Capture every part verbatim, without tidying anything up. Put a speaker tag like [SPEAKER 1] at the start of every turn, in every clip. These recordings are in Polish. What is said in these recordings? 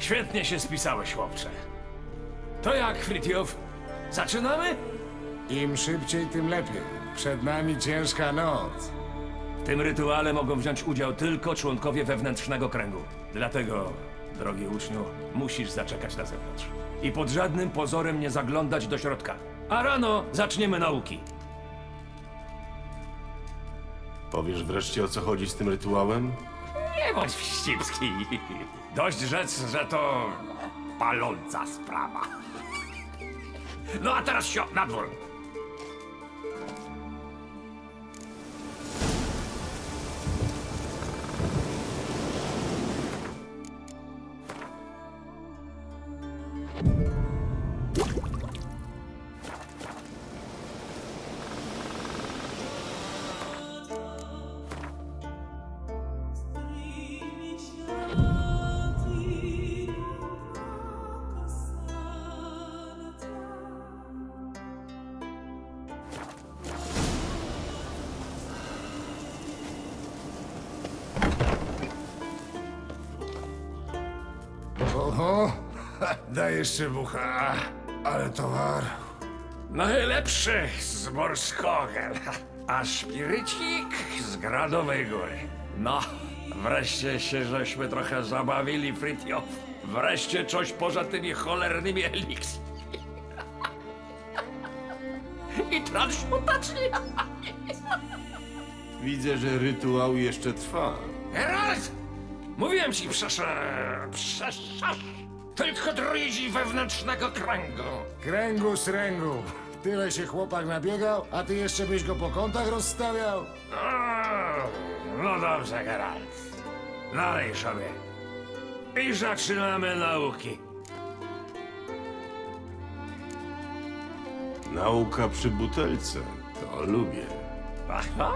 [SPEAKER 1] Świetnie się spisałeś, chłopcze. To jak, Fritjof? Zaczynamy?
[SPEAKER 2] Im szybciej, tym lepiej. Przed nami ciężka noc.
[SPEAKER 1] W tym rytuale mogą wziąć udział tylko członkowie wewnętrznego kręgu. Dlatego, drogi uczniu, musisz zaczekać na zewnątrz. I pod żadnym pozorem nie zaglądać do środka. A rano zaczniemy nauki.
[SPEAKER 3] Powiesz wreszcie, o co chodzi z tym rytuałem?
[SPEAKER 1] Nie bądź wścibski. Dość rzec, że to paląca sprawa. No a teraz sio, na dwór.
[SPEAKER 2] Oho, ha, dajesz szybucha, ale towar.
[SPEAKER 1] Najlepszy z Morskogel, a szpirycik z Gradowej Góry. No, wreszcie się żeśmy trochę zabawili, Fritjof. Wreszcie coś poza tymi cholernymi eliks. I transmutacji.
[SPEAKER 3] Widzę, że rytuał jeszcze trwa.
[SPEAKER 1] Geralt! Mówiłem ci, przecież... przecież... Tylko druidzi wewnętrznego kręgu.
[SPEAKER 2] Kręgu z ręgu. Tyle się chłopak nabiegał, a ty jeszcze byś go po kątach rozstawiał?
[SPEAKER 1] O, no dobrze, Geralt. Nalej sobie. I zaczynamy nauki.
[SPEAKER 3] Nauka przy butelce. To lubię.
[SPEAKER 1] Aha.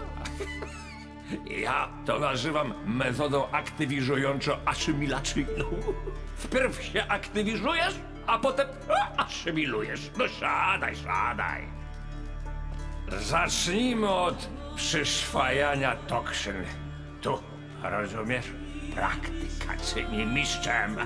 [SPEAKER 1] Ja to nazywam metodą aktywizująco-asymilacyjną. Wpierw się aktywizujesz, a potem a, asymilujesz. No siadaj, siadaj. Zacznijmy od przyswajania toksyn. Tu, rozumiesz? Praktyka czyni mistrzem.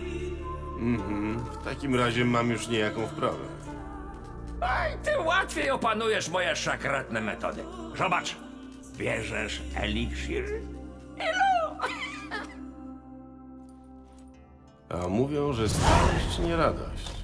[SPEAKER 3] W takim razie mam już niejaką wprawę.
[SPEAKER 1] Aj, ty łatwiej opanujesz moje szakratne metody. Zobacz, bierzesz eliksir i
[SPEAKER 3] A mówią, że starość nie radość.